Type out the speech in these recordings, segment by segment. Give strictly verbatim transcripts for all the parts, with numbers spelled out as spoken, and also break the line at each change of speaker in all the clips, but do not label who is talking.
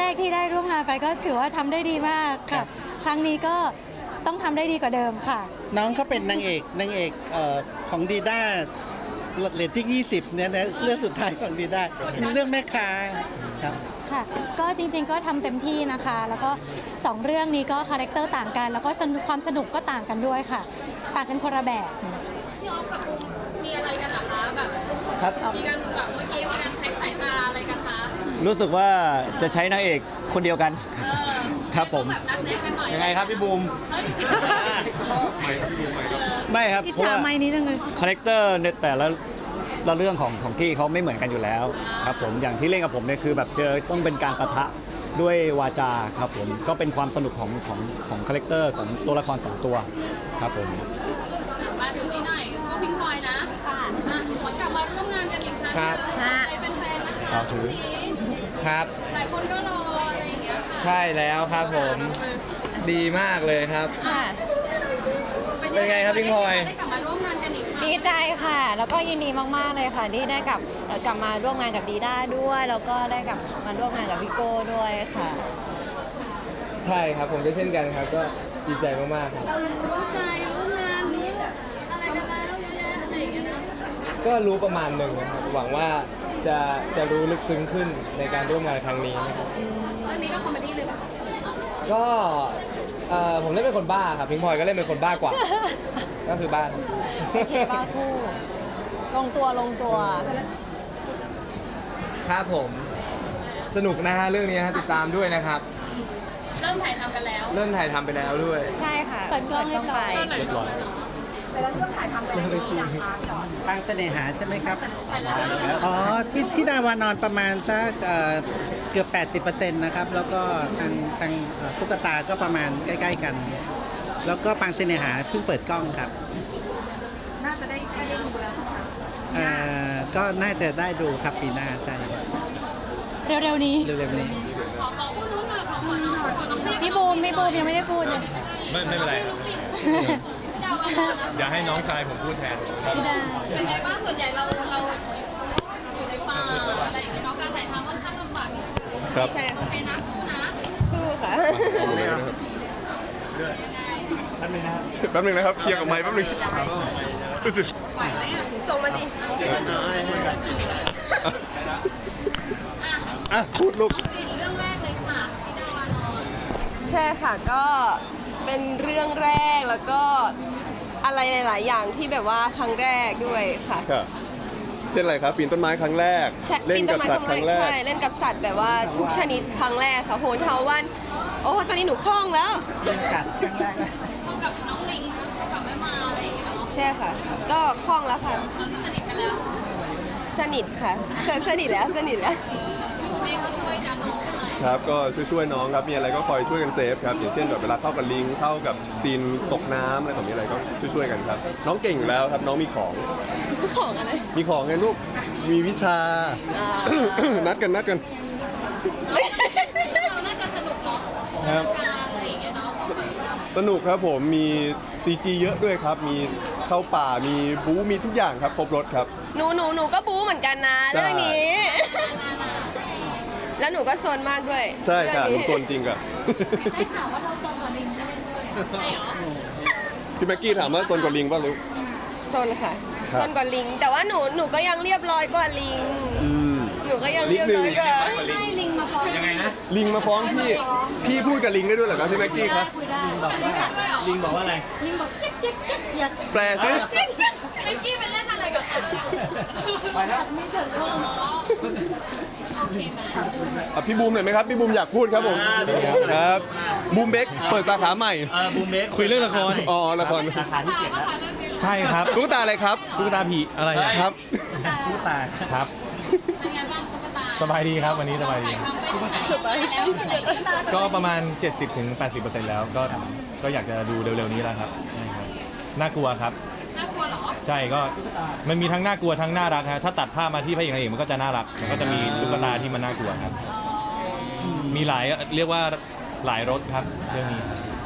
รกๆที่ได้ร่วมงานไปก็ถือว่าทำได้ดีมากค่ะ ครั้งนี้ก็ต้องทำได้ดีกว่าเดิมค่ะ
น้องเขาเป็นนางเอกนางเอกเอ่อของดีด้าเรตติ้งยี่สิบเนี่ยนะเรื่องสุดท้ายของดีด้าเรื่องแม่ค้าครับ
ค่ะก็จริงๆก็ทำเต็มที่นะคะ แล้วก็สองเรื่องนี้ก็คาแรคเตอร์ต่างกัน แล้วก็สนุกความสนุกก็ต่างกันด้วยค่ะ ต่างกันคนละแบบ
พี่ออฟกับภูมิมีอะไรกันเหรอคะแบบ
ครับ
มีการแบบเมื่อกี้มีการแท็กสายตาอะไรกันคะ
รู้สึกว่าจะใช้นางเอกคนเดียวกัน
เออ
ครับผม
แบบนัดแนะกันหน่อย
ยังไงครับพี่บูม
เฮ้ย
ไม่ครับ
อิจ
เพราะ
ฉา
ว่า
ไม้นี้จังเลย
คาแรคเตอร์ในแต่ละละเรื่องของของพี่เขาไม่เหมือนกันอยู่แล้วครับผมอย่างที่เล่นกับผมเนี่ยคือแบบเจอต้องเป็นการปะทะด้วยวาจาครับผมก็เป็นความสนุกของของของคาแรคเตอร์ของตัวละครสองตัวครับผม
มาถึงนี้หน่อยก็พิงพลอยนะค่ะอ่ะขอกลับมาร่วมงานกันอีกครั้งห
ครั
นึ
บ
งใครเป็นแฟนนะคะ
เอาถือ
วันนี้
ครับ
หลายคนก็รออะไรอย่างเงี้ยค่ะ
ใช่แล้วครับผมดีมากเลยครับ เป็นไงครับพิงพลอย
ได้กลับมาร่วมงานกันอีกครั้ง
ดีใจค่ะ แล้วก็ยินดีมาก ๆ เลยค่ะที่ได้กลับเอ่อกลับมาร่วมงานกับดีด้าด้วย แล้วก็ได้กลับมาร่วมงานกับพี่โก้ด้วยค่ะ
ใช่ครับผมก็เช่นกันครับก็ดีใจมากๆครับ
รู้ใจรู้งานรู้อะไรกันแล้วเยอะแยะอะไรอย่างเงี้ยนะ
ก็รู้ประมาณหนึ่งนะครับหวังว่าจะจะรู้ลึกซึ้งขึ้นในการร่วมงานครั้งนี้นะครับ
เรื่องนี้ก็คอมเมดี้เลยป่ะ
ก็เอ่อผมเล่นเป็นคนบ้าครับพิงพลอยก็เล่นเป็นคนบ้ากว่า ก็คือบ้า
โอเคบ้าคู่ ลงตัวลงตัว
ครับผมสนุกนะฮะเรื่องนี้ฮะติดตามด้วยนะครับ
เริ่มถ่ายทำกันแล้ว
เริ่มถ่ายทำไปแล้วด้วย
ใช่ค่ะ เปิดกล้องเรียบร้อย
เรียบร้อย
ปางเสน่หาใช่ไหมครับ
ถ่ายแล้ว
อ๋อที่ที่ดาวานอนประมาณสักเอ่อเกือบ แปดสิบเปอร์เซ็นต์ นะครับ แล้วก็ทางทางเอ่อตุ๊กตาก็ประมาณใกล้ ๆ กัน แล้วก็ปางเสน่หาเพิ่งเปิดกล้องครับ น่าจะได้ได้ดูแล้วเอ่อก็น่าจะได้ดูครับปีหน้าใช่
เร็วๆนี้
เร็วๆนี้
ขอขอพูดรู้หน่อยขอขอน้องขอน้องเด็ก
พี่บูมพี่บูมยังไม่ได้พูดเลย
ไม่ไม่เป็นไร
ลูกศิษย์เจ้าอาวาสนะ
อย่าให้น้องชายผมพูดแทน
ไม่ได้
เป็นไงบ้างส่วนใหญ่เราเราอยู่ในป่าอะไรอย่างเงี้ยเนาะการถ่ายทำค่อนข้างลำบาก
ครับ
ใช่
โอ
ค่ะ
เคนะสู้นะ
สู้ค่ะ
แป๊บนึงนะครับ เคลียร์กับไม้แป๊บนึงรู้สึก
ส่งมาดิ
อ่ะ พูดลูก
น้องปิ่นเรื่องแรกเลยค่ะที่ดาวานอน
ใช่ค่ะ ก็เป็นเรื่องแรกแล้วก็อะไรหลาย ๆ อย่างที่แบบว่าครั้งแรกด้วยค่ะ
ค่ะเช่นอะไรครับ ปีนต้นไม้ครั้งแรก
ใช่
เล่นกับสัตว์ครั้งแรก
ใช่เล่นกับสัตว์แบบว่าทุกชนิดครั้งแรกค่ะโหนเทาวัน โอ้ตอนนี้หนูคล่องแล้ว
กัดครั้งแรกนะ
เท่ากับน้องลิงนะเท่ากับแม่มาอะไรอย่างเงี้ยเนาะ
ใช่ค่ะ ก็คล่องแล้วค่ะ
เราที่สนิทกันแล้ว
สนิทค่ะสสนิทแล้วสนิทแล้ว
แม่ก็ช่วยดันน้องหน่อย
ครับ ก็ช่วยๆน้องครับ มีอะไรก็คอยช่วยกันเซฟครับ อย่างเช่นแบบเวลาเข้ากับลิง เข้ากับซีนตกน้ำอะไรแบบนี้อะไรก็ช่วยๆกันครับ น้องเก่งอยู่แล้วครับ น้องมีของ
ของอะไร
มีของไงลูก มีวิชา
อ่า
นัดกันนัดกัน
เราน่าจะสนุกเนาะ
ครับ
การอะไรอย่างเงี้ยเนาะ
สนุกครับผม มี ซี จี เยอะด้วยครับ มีเข้าป่า มีบู๊ มีทุกอย่างครับ ครบรถครับ
หนูหนูหนูก็บู๊เหมือนกันนะ
ใช่
เรื่องนี้ แล้วหนูก็โซนมากด้วย
ใช่ค่ะห
เรื่
นู
อง
โซนจริงค่ะ
ได้ข่าวว่าเราทรงกว่าลิงได้ด้วย
ใช่เหรอ
พี่แม็กกี้ถามว่าโซนกว่าลิงป่ะลูก
โซนค่ะ
ครับ
โซนกว่าลิง แต่ว่าหนูหนูก็ยังเรียบร้อยกว่าลิง
อืม
หนูก็ยัง
นิด
เรียบ
นึง
ร้อยกว่า
ให้ลิงมาฟ้องยังไงนะ
ลิงมาฟ้องพี่ พี่พูดกับลิงได้ด้วยเหรอครับพี่แม็กกี้ครับ
คุยได้
ลิงบอกว่าอะไร
ลิงบอกเจ๊กเจ๊กเจ๊กเจ๊ก
แปลซิ
เมื่อกี้เป็นเล่นอะไรกับเขาไปแล้วไม่เสร็จเพิ่มโอเคนะ
อ่ะพี่บูมหน่อยไหมครับ พี่บูมอยากพูดครับผม ครับ บูมเบกเปิดสาขาใหม่
เออบูมเบส
คุยเรื่องละคร อ๋อ ละคร
สาขาที่เจ็ดแล้ว
ใช่ครับ ตุ๊กตาอะไรครับ
ตุ๊กตาผีอะไรอะ
ครับ
ตุ๊กตา
ครับ
เป็นไงบ้างตุ๊กตา
สบายดีครับวันนี้สบายดี
ถ่ายทำไปถึงไหนแล้ว
ก็ประมาณ เจ็ดสิบถึงแปดสิบเปอร์เซ็นต์ แล้วก็ก็อยากจะดูเร็วๆนี้แล้วครับใช่ครับน่ากลัวครับ
น่ากลัวเหรอ
ใช่ก็มันมีทั้งน่ากลัวทั้งน่ารักฮะถ้าตัดภาพมาที่พระเอกนางเอกมันก็จะน่ารักมันก็จะมีตุ๊กตาที่มันน่ากลัวครับ มีหลายเรียกว่าหลายรสครับเรื่องนี้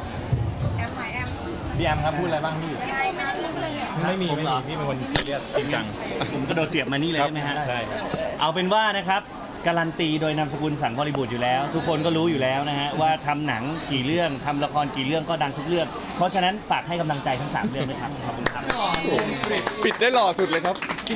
พี่แอมครับพูดอะไรบ้างพี่ไม่มีไม่มีพี่เป็นคนซีเรียสจริงจัง
ผมกระโดดเสียบมานี่เลยใช่ไหมฮะ
ใช่ครับ
เอาเป็นว่านะครับการันตีโดยนามสกุลสังบริบูรณ์อยู่แล้ว ทุกคนก็รู้อยู่แล้วนะฮะว่าทำหนังกี่เรื่องทำละครกี่เรื่องก็ดังทุกเรื่อง เพราะฉะนั้นฝากให้กำลังใจทั้งสามเรื่องด้วยครับขอบคุณครับ
ปิดได้หล่อสุดเลยครับ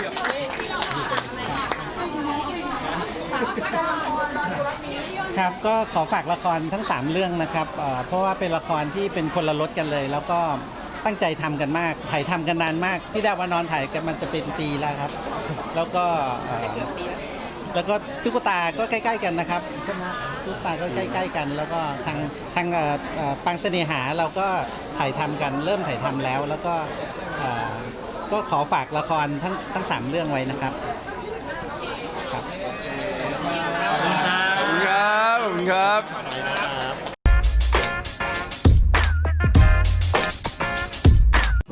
ครับก็ขอฝากละครทั้งสามเรื่องนะครับเอ่อเพราะว่าเป็นละครที่เป็นคนละรสกันเลย แล้วก็ตั้งใจทำกันมากถ่ายทำกันนานมากที่ดาวานอนถ่ายกันมันจะเป็นปีแล้วครับ แล้วก็เอ่อแล้วก็ตุ๊กตาก็ใกล้ๆกันนะครับใช่ไหมตุ๊กตาก็ใกล้ๆกัน แล้วก็ทางทางเอ่อเอ่อปังเสน่หาเราก็ถ่ายทำกันเริ่มถ่ายทำแล้ว แล้วก็เอ่อก็ขอฝากละครทั้งทั้งสามเรื่องไว้นะครับ
ขอบคุณครับ ขอบคุณครับ